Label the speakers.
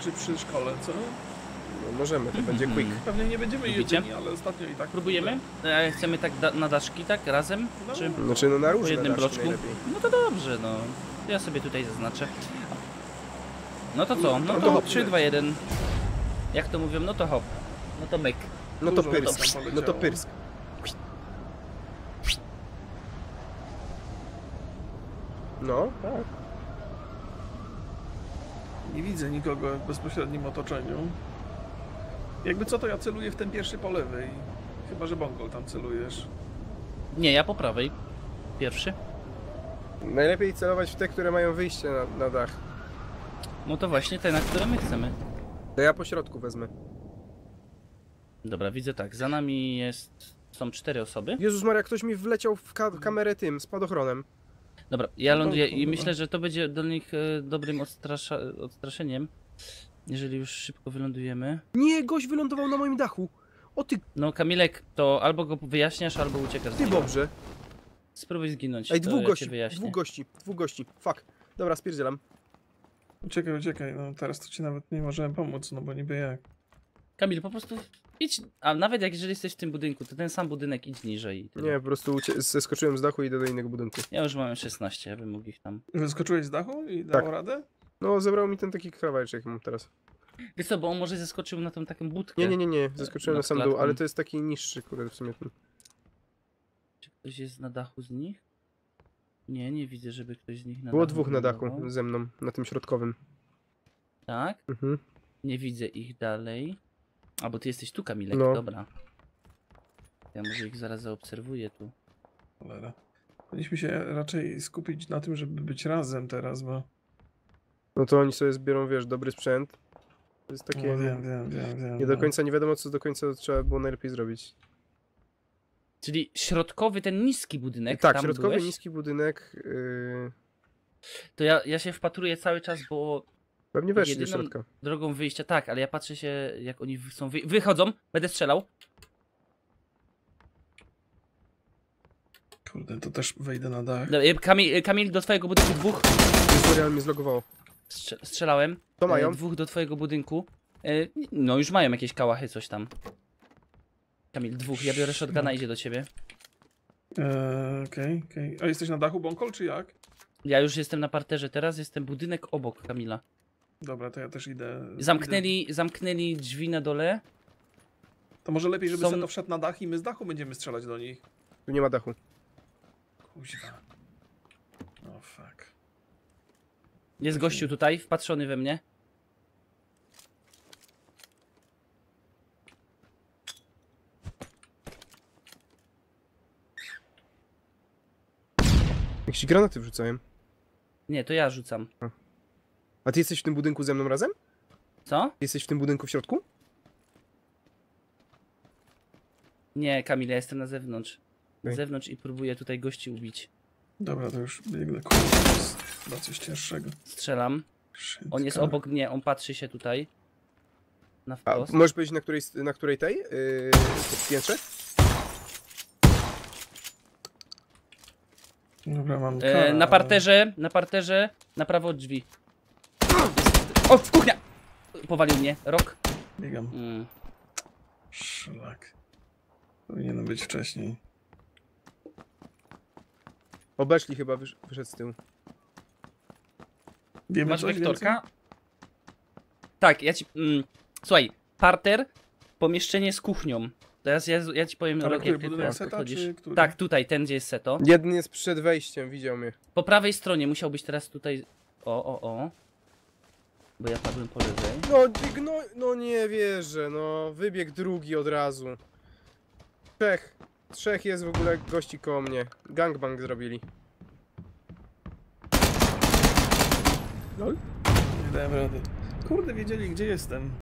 Speaker 1: czy przy szkole, co?
Speaker 2: No, możemy, to będzie quick.
Speaker 1: Pewnie nie będziemy
Speaker 3: Lubicie?
Speaker 1: jedyni, ale ostatnio i tak.
Speaker 3: Próbujemy? Chcemy tak na daszki, tak? Razem?
Speaker 1: No.
Speaker 3: Czy
Speaker 2: Znaczy no na
Speaker 3: po
Speaker 2: różne
Speaker 3: jednym
Speaker 2: daszki
Speaker 3: bloczku?
Speaker 2: najlepiej.
Speaker 3: No to dobrze, no. Ja sobie tutaj zaznaczę. No to co? No
Speaker 1: No
Speaker 3: to
Speaker 1: hop,
Speaker 3: 3, 2, 1. Jak to mówią? No to hop. No to myk.
Speaker 2: No to
Speaker 1: Dużo
Speaker 2: pyrsk,
Speaker 1: tam
Speaker 2: no to
Speaker 1: poleciało.
Speaker 2: pyrsk. No, tak.
Speaker 1: Nie widzę nikogo w bezpośrednim otoczeniu. Jakby co, to ja celuję w ten pierwszy po lewej. Chyba, że Bongol tam celujesz.
Speaker 3: Nie, ja po prawej. Pierwszy.
Speaker 2: Najlepiej celować w te, które mają wyjście na dach.
Speaker 3: No to właśnie te, na które my chcemy.
Speaker 2: To ja po środku wezmę.
Speaker 3: Dobra, widzę tak. Za nami są 4 osoby.
Speaker 2: Jezus Maria, ktoś mi wleciał w kamerę tym, spadochronem.
Speaker 3: Dobra, ja ląduję i
Speaker 1: kurwa.
Speaker 3: myślę, że to będzie do nich dobrym odstraszeniem. Jeżeli już szybko wylądujemy.
Speaker 2: Nie, gość wylądował na moim dachu. O ty,
Speaker 3: No Kamilek, to albo go wyjaśniasz, albo uciekasz z
Speaker 2: ty
Speaker 3: niego.
Speaker 2: dobrze.
Speaker 3: Spróbuj zginąć.
Speaker 2: Ej,
Speaker 3: to
Speaker 2: dwóch
Speaker 3: ja
Speaker 2: gości,
Speaker 3: cię wyjaśnię.
Speaker 2: dwóch gości. Fuck. Dobra, spierdzielam.
Speaker 1: Uciekaj, no teraz to ci nawet nie możemy pomóc, no bo niby jak.
Speaker 3: Kamil, po prostu idź, a nawet jeżeli jesteś w tym budynku, to ten sam budynek idź niżej. I tyle.
Speaker 2: Nie, po prostu zeskoczyłem z dachu i idę do innego budynku.
Speaker 3: Ja już mam 16, ja bym mógł ich tam.
Speaker 1: Wyskoczyłeś z dachu i dało
Speaker 2: Tak.
Speaker 1: radę?
Speaker 2: No, zebrał mi ten taki kawałeczek, jak mam teraz.
Speaker 3: Wiesz co, bo on może zeskoczył na tą taką budkę.
Speaker 2: Nie, zeskoczyłem na
Speaker 3: Nad
Speaker 2: sam dół,
Speaker 3: klatką.
Speaker 2: ale to jest taki niższy, kurde, w sumie.
Speaker 3: Czy ktoś jest na dachu z nich? Nie, nie widzę, żeby ktoś z nich na
Speaker 2: Było
Speaker 3: dachu
Speaker 2: dwóch na dachu
Speaker 3: wylądował.
Speaker 2: ze mną, na tym środkowym.
Speaker 3: Tak?
Speaker 2: Mhm.
Speaker 3: Nie widzę ich dalej. A, bo ty jesteś tu, Kamilek,
Speaker 2: No.
Speaker 3: dobra. Ja może ich zaraz zaobserwuję tu.
Speaker 1: Cholera. Powinniśmy się raczej skupić na tym, żeby być razem teraz, bo...
Speaker 2: No to oni sobie zbiorą, wiesz, dobry sprzęt. To jest takie...
Speaker 1: No, wiem.
Speaker 2: Nie do końca, nie wiadomo co do końca trzeba było najlepiej zrobić.
Speaker 3: Czyli środkowy, ten niski budynek,
Speaker 2: Tak,
Speaker 3: tam
Speaker 2: środkowy,
Speaker 3: byłeś?
Speaker 2: niski budynek.
Speaker 3: To ja się wpatruję cały czas, bo
Speaker 2: Pewnie weszli do
Speaker 3: jedyną
Speaker 2: środka.
Speaker 3: drogą wyjścia, tak, ale ja patrzę się, jak oni są wychodzą, będę strzelał.
Speaker 1: Kurde, to też wejdę na dach.
Speaker 3: Dobra, Kamil, do twojego budynku dwóch.
Speaker 2: Tutorial mnie zlogowało.
Speaker 3: Strzelałem.
Speaker 2: To mają?
Speaker 3: Dwóch do twojego budynku. No już mają jakieś kałachy, coś tam. Kamil, dwóch, ja biorę shotguna, idzie do ciebie.
Speaker 1: Okej. A jesteś na dachu, Bongol, czy jak?
Speaker 3: Ja już jestem na parterze, teraz jestem budynek obok Kamila.
Speaker 1: Dobra, to ja też idę.
Speaker 3: Zamknęli drzwi na dole.
Speaker 1: To może lepiej, żeby
Speaker 3: Są-
Speaker 1: Seto wszedł na dach i my z dachu będziemy strzelać do nich.
Speaker 2: Tu nie ma dachu.
Speaker 1: Kuźwa. No fuck.
Speaker 3: Jest gościu tutaj, wpatrzony we mnie.
Speaker 2: Jak granaty wrzucałem.
Speaker 3: Nie, to ja rzucam.
Speaker 2: A ty jesteś w tym budynku ze mną razem?
Speaker 3: Co?
Speaker 2: Ty jesteś w tym budynku w środku?
Speaker 3: Nie, Kamil, ja jestem na zewnątrz. Na
Speaker 2: Okej.
Speaker 3: zewnątrz i próbuję tutaj gości ubić.
Speaker 1: Dobra, to już biegnę. Kurde, to jest chyba coś cięższego.
Speaker 3: Strzelam.
Speaker 1: Szybko.
Speaker 3: On jest obok mnie, on patrzy się tutaj. Na
Speaker 2: A
Speaker 3: wprost.
Speaker 2: możesz powiedzieć na której tej? Piętrze?
Speaker 1: Dobra, mam
Speaker 3: Na parterze, na prawo od drzwi. O, kuchnia! Powalił mnie, rok.
Speaker 1: Biegam. Szlak. Powinienem być wcześniej.
Speaker 2: Obeszli chyba, wyszedł z tyłu.
Speaker 1: Wiemy
Speaker 3: Masz
Speaker 1: coś
Speaker 3: wektorka? Tak, ja ci... słuchaj, parter, pomieszczenie z kuchnią. Teraz ja ci powiem,
Speaker 1: Ale
Speaker 3: Rok,
Speaker 1: który,
Speaker 3: jak ty
Speaker 1: budynek
Speaker 3: teraz
Speaker 1: Seta,
Speaker 3: podchodzisz.
Speaker 1: czy który?
Speaker 3: Tak, tutaj, ten gdzie jest Seto.
Speaker 2: Jeden jest przed wejściem, widział mnie.
Speaker 3: Po prawej stronie musiał być teraz tutaj... O. Bo ja padłem po lewej.
Speaker 2: No nie wierzę, no. Wybieg drugi od razu. Trzech jest w ogóle gości koło mnie. Gangbang zrobili.
Speaker 1: Nie dałem rady. Kurde, wiedzieli gdzie jestem.